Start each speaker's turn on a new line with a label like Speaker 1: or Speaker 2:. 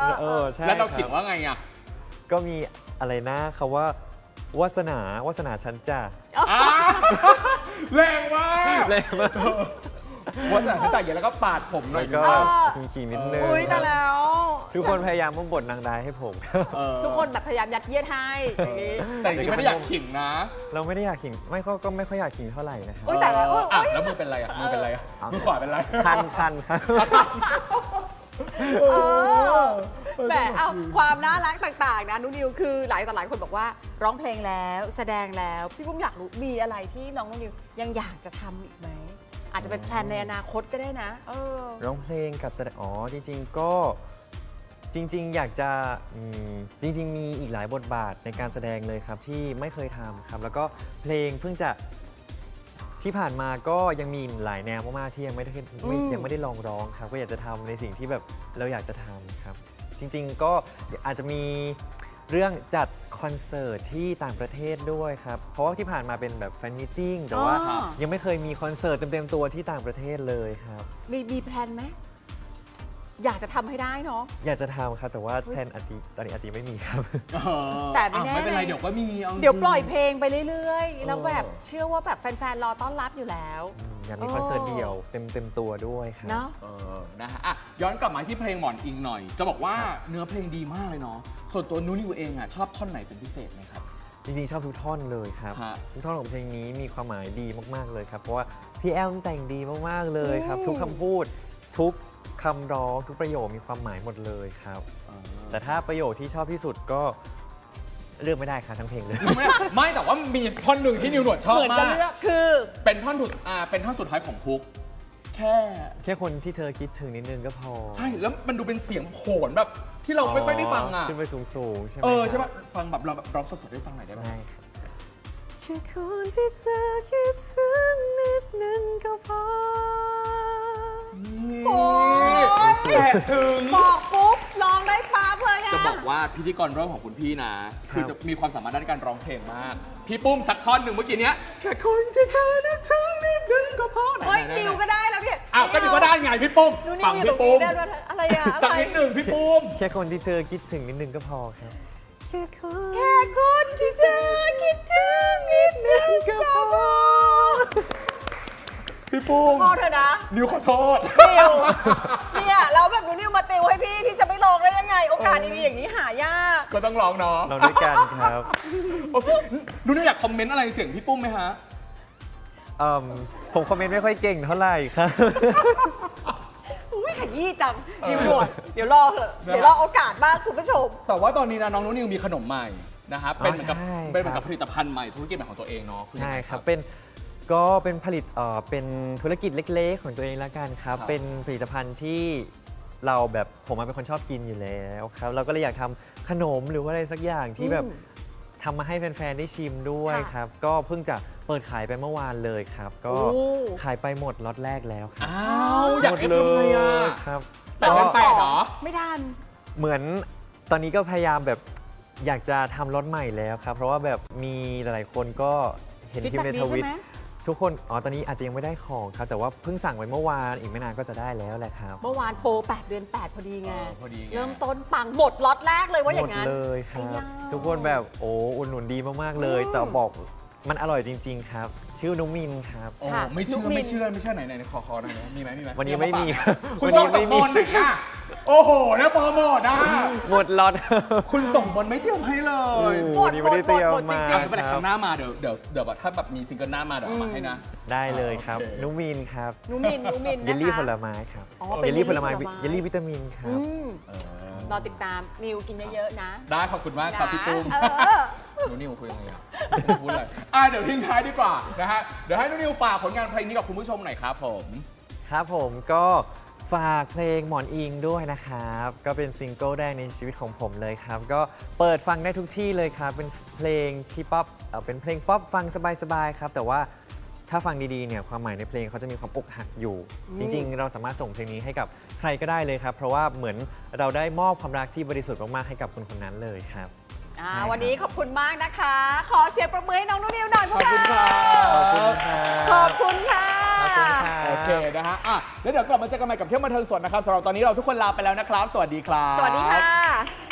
Speaker 1: ใช่
Speaker 2: แล้วเราเขียนว่าไงอ่ะ
Speaker 1: ก็มีอะไรนะคำว่าวาสนาฉันจ้ะ
Speaker 2: แรงมาก
Speaker 1: เลยมาก
Speaker 2: ว่าสถานที่จ่ายเยอะแล้วก็ปาดผมหน่
Speaker 1: แล้
Speaker 2: อยว
Speaker 1: ก็
Speaker 2: นะ
Speaker 1: ขิงๆนิดนึง
Speaker 3: อุ้ยแต่แล้ว
Speaker 1: ทุกคนพยายามมาบทนางร้ายให้ผม
Speaker 3: ทุกคนแบบพยายามยัดเยียดให้อย่างนี้
Speaker 2: แต่จริงๆไม่ได้อยากขิงนะ
Speaker 1: เราไม่ได้อยากขิงก็ไม่ค่อยอยากขิงเท่าไหร่นะครับ
Speaker 3: โอ๊ยแต่ละ
Speaker 2: แล้วมือเป็นไรอ่ะมือเป็นไรอ่ะมือขวาเป็นไร
Speaker 1: คันครับ
Speaker 3: แต่เอาความน่ารักต่างๆนะนุนิวคือหลายต่อหลายคนบอกว่าร้องเพลงแล้วแสดงแล้วพี่ปุ้มอยากรู้มีอะไรที่น้องนุนิวยังอยากจะทำอีกไหมอาจจะเป็นแพลนในอนาคตก็ได้นะ
Speaker 1: ร้องเพลงกับแสดงจริงๆก็จริงๆอยากจะจริงๆมีอีกหลายบทบาทในการแสดงเลยครับที่ไม่เคยทำครับแล้วก็เพลงเพิ่งจะที่ผ่านมาก็ยังมีหลายแนวมากๆที่ยังไม่ได้ลองร้องครับก็อยากจะทำในสิ่งที่แบบเราอยากจะทำครับจริงๆก็อาจจะมีเรื่องจัดคอนเสิร์ตที่ต่างประเทศด้วยครับเพราะว่าที่ผ่านมาเป็นแบบแฟนมิทติ้งแต่ว่ายังไม่เคยมีคอนเสิร์ตเต็มๆตัวที่ต่างประเทศเลยครับ
Speaker 3: มีแพลนไหมอยากจะทำให้ได้เนาะ
Speaker 1: อยากจะทำครับแต่ว่าแพลนตอนนี้อาจจะไม่มีครับ
Speaker 3: แต่ไม่แน่
Speaker 2: ไม่เป็นไรเดี๋ยวก็มี
Speaker 3: เดี๋ยวปล่อยเพลงไปเรื่อยๆแล้วแบบเชื่อว่าแบบแฟนๆรอต้อนรับอยู่แล้ว
Speaker 1: อยากมีคอนเสิร์ตเดี่ยวเต็มตัวด้วยครับ
Speaker 3: เนาะ
Speaker 2: นะฮะย้อนกลับมาที่เพลงหมอนอิงหน่อย จะบอกว่าเนื้อเพลงดีมากเลยเนาะส่วนตัวนุนิวเองอ่ะชอบท่อนไหนเป็นพิเศษไหมครับ
Speaker 1: จริงๆชอบทุกท่อนเลยครับทุกท่อนของเพลงนี้มีความหมายดีมากๆเลยครับเพราะว่าพี่แอมแต่งดีมากๆเลยครับทุกคำพูดทุกคำร้องทุกประโยคมีความหมายหมดเลยครับแต่ถ้าประโยคที่ชอบที่สุดก็เลือกไม่ได้ครับทั้งเพลงเลย
Speaker 2: ไม่แต่ว่ามีท่อนหนึ่งที่นิวหนวดชอบ
Speaker 3: เหมือน
Speaker 2: มา
Speaker 3: จะ
Speaker 2: ก
Speaker 3: เลือกคือ
Speaker 2: เป็นท่อนสุดท้ายของฮุกแค่
Speaker 1: คนที่เธอคิดถึงนิดนึงก็พอ
Speaker 2: ใช่แล้วมันดูเป็นเสียงโขนแบบที่เราไม่ค่อยได้ฟังอ่ะ
Speaker 1: ขึ้นไปสูงๆใช่ไหม
Speaker 2: ใช่ป่ะฟังแบบเราแบบร้องสดๆได้ฟังหน่อยได้ไหม
Speaker 1: ได้ครับแค่คนที่เธอคิดถึงนิดนึงก็พอ
Speaker 3: โอ้ย
Speaker 2: แตะถึง
Speaker 3: บอกปุ๊บร้องได้ปั๊บเลยอะ
Speaker 2: จะบอกว่าพิธีกรร่วมของคุณพี่นะ คือจะมีความสามารถด้านการร้องเพลงมาก พี่ปุ้มสักท่อนหนึ่งเมื่อกี้เนี้ยแค่คนที่เธอนึกถึงนิดนึงก็พอ
Speaker 3: เฮ้ยนิวก็ได้แล้วพี่
Speaker 2: อ้าวก็นิวก็ได้ไงพี่ปุ้ม
Speaker 3: ดูนิ
Speaker 2: ฟั
Speaker 3: ว
Speaker 2: ง
Speaker 3: อยู่ตร
Speaker 2: พี่
Speaker 3: ง
Speaker 2: ปุ้
Speaker 3: นี้
Speaker 2: ม
Speaker 3: ได้ด้วยอะไรอะ
Speaker 2: สักนิดหนึ่งพี่ปุ้ม
Speaker 1: แค่คนที่เธอคิดถึงนิดนึงก็พอครับ
Speaker 3: แค่คนที่เธอคิดถึงนิดนึงก็พอ
Speaker 2: พี่ปุ้ม
Speaker 3: พอเถอะนะ
Speaker 2: นิวขอโทษ
Speaker 3: นิวเนี่ยเราแบบดูนิวมาติวให้พี่จะไม่ลองได้ยังไง โอกาสดีๆอย่างนี้หายาก
Speaker 2: ก็ต้องร้องเนาะ
Speaker 1: เราด้วยกันครับ
Speaker 2: โอเคดูนิวอยากคอมเมนต์อะไรเสียงพี่ปุ้มไหมฮะ
Speaker 1: ผมคอมเมนต์ไม่ค่อยเก่งเท่าไหร่ครับ
Speaker 3: อุ้ยขยี้จังนิวหนวดเดี๋ยวรอเถอะเดี๋ยวรอโอกาสบ้างคุณผู้ชม
Speaker 2: แต่ว่าตอนนี้นะน้องนุนิวมีขนมใหม่นะครับเป็นเหมือนกับ
Speaker 1: ใช่
Speaker 2: เป็นเหมือน
Speaker 1: ครั
Speaker 2: กับบ ผลิตภัณฑ์ใหม่ธุรกิจใหม่ของตัวเองเนาะอ
Speaker 1: ใช่
Speaker 2: ยังไง
Speaker 1: ครับเป็นผลิตเป็นธุรกิจเล็กๆของตัวเองแล้วกันครับ
Speaker 2: ครับ
Speaker 1: เป็นผลิตภัณฑ์ที่เราแบบผมเป็นคนชอบกินอยู่แล้วครับเราก็เลยอยากทำขนมหรือว่าอะไรสักอย่างที่แบบทำมาให้แฟนๆได้ชิมด้วย
Speaker 3: ค่ะ
Speaker 1: ครับก็เพิ่งจะเปิดขายไปเมื่อวานเลยครับ ก็
Speaker 3: โอ้
Speaker 1: ขายไปหมดล็อตแรกแล้วครับ
Speaker 2: อ้าวอยาก
Speaker 1: หมด
Speaker 2: เอฟ
Speaker 1: เล
Speaker 2: ทำไง
Speaker 1: ย
Speaker 2: อ่ะ
Speaker 1: ครับ
Speaker 2: แต่ว่าแปดเหรอ
Speaker 3: ไม่ทัน
Speaker 1: เหมือนตอนนี้ก็พยายามแบบอยากจะทำรถใหม่แล้วครับ เพราะว่าแบบมีหลายๆคนก็เห็นพิมพ์ใน
Speaker 3: feedback
Speaker 1: ทวิต
Speaker 3: ดีใช่ไหม
Speaker 1: ทุกคนตอนนี้อาจจะยังไม่ได้ของครับ แต่ว่าเพิ่งสั่งไว้เมื่อวานอีกไม่นานก็จะได้แล้วแหละครับ
Speaker 3: เมื่อวานโปร8 เดือน 8 พอดีไง
Speaker 2: พอดีไง
Speaker 3: เริ่มต้นปังหมดล็อตแรกเลยว่าอ
Speaker 1: หม
Speaker 3: ย่า
Speaker 1: ด
Speaker 3: งนั้น
Speaker 1: เลยครับ
Speaker 3: ไอ้ยา
Speaker 1: ทุกคนแบบอุดหนุนดีมากๆเลย แต่บอกมันอร่อยจริง ๆ ครับ ชื่อนุมินครับ
Speaker 2: โอ้
Speaker 3: ค่ะ
Speaker 2: ไม่เชื่อ
Speaker 3: นุ๊กมิ้น
Speaker 2: ไม่เชื่อไม่เชื่อไหนไหนขอหน่อยนะมีไหม
Speaker 1: วันนี้ไม่มี
Speaker 2: คุณ
Speaker 1: วัน
Speaker 2: ส่
Speaker 1: นี้
Speaker 2: งส
Speaker 1: ไม่
Speaker 2: ม
Speaker 1: มี
Speaker 2: บนหน่อยนะโอ้โหนะโปรโมทนะ
Speaker 1: หมดล็อต
Speaker 2: คุณส่งบนไม่เตรียมให้เลย
Speaker 3: หมด
Speaker 1: วันนี้ไม่ได้เตรียม
Speaker 3: หมด
Speaker 1: มา
Speaker 3: จริง
Speaker 2: ไม่เป็นไร
Speaker 1: ค
Speaker 2: ค
Speaker 1: รั
Speaker 2: รั้
Speaker 1: บ
Speaker 2: งหน้ามาเดี๋ยวแบบถ้าแบบมีซิงเกิลหน้ามาเดี๋ยวเอามาให้นะ
Speaker 1: ได้เลยครับ
Speaker 2: โอเค
Speaker 1: นุมินครับ
Speaker 3: นูมินนะคะ
Speaker 1: เยลลี่ผลไม้ครับ
Speaker 3: อ๋อเป็น
Speaker 1: เยลลี่ผลไม้
Speaker 3: เยลลี่ผลไม้
Speaker 1: เยลลี่วิตามินครั
Speaker 3: อื
Speaker 1: บ
Speaker 3: ม
Speaker 2: เออ
Speaker 3: รอติดตามนิวกินเยอะๆนะ
Speaker 2: ได้ขอบคุณมากครับพี่ปุ้ม
Speaker 3: เออ
Speaker 2: หนูนิวคุยยังไงอ่ะพูดอะไรเดี๋ยวทิ้งท้ายดีกว่านะฮะเดี๋ยวให้หนูนิวฝากผลงานเพลงนี้กับคุณผู้ชมหน่อยครับผม
Speaker 1: ครับผมก็ฝากเพลงหมอนอิงด้วยนะครับ ก็เป็นซิงเกิลแรกในชีวิตของผมเลยครับ ก็เปิดฟังได้ทุกที่เลยครับ เป็นเพลงที่ป๊อปเป็นเพลงป๊อปฟังสบายๆครับ แต่ว่าถ้าฟังดีๆเนี่ยความหมายในเพลงเขาจะมีความอกหักอยู่ จริงๆ เราสามารถส่งเพลงนี้ให้กับใครก็ได้เลยครับ เพราะว่าเหมือนเราได้มอบความรักที่บริสุทธิ์มากๆให้กับคนคนนั้นเลยครับ ใช่ครับ
Speaker 3: วันนี้ขอบคุณมากนะคะ ขอเสียงประมือให้น้องนุ่นนิวหน่อยพวกเรา
Speaker 2: ขอบคุณครับ
Speaker 1: ขอบคุณครับ
Speaker 3: ขอบคุณค่ะ
Speaker 1: ขอบคุณค่ะ
Speaker 2: โอเคนะฮะแล้วเดี๋ยวกลับมาเจอกันใหม่กับเที่ยวบันเทิงสดนะครับสำหรับตอนนี้เราทุกคนลาไปแล้วนะครับ สวัสดีครับ
Speaker 3: สวัสดีค่ะ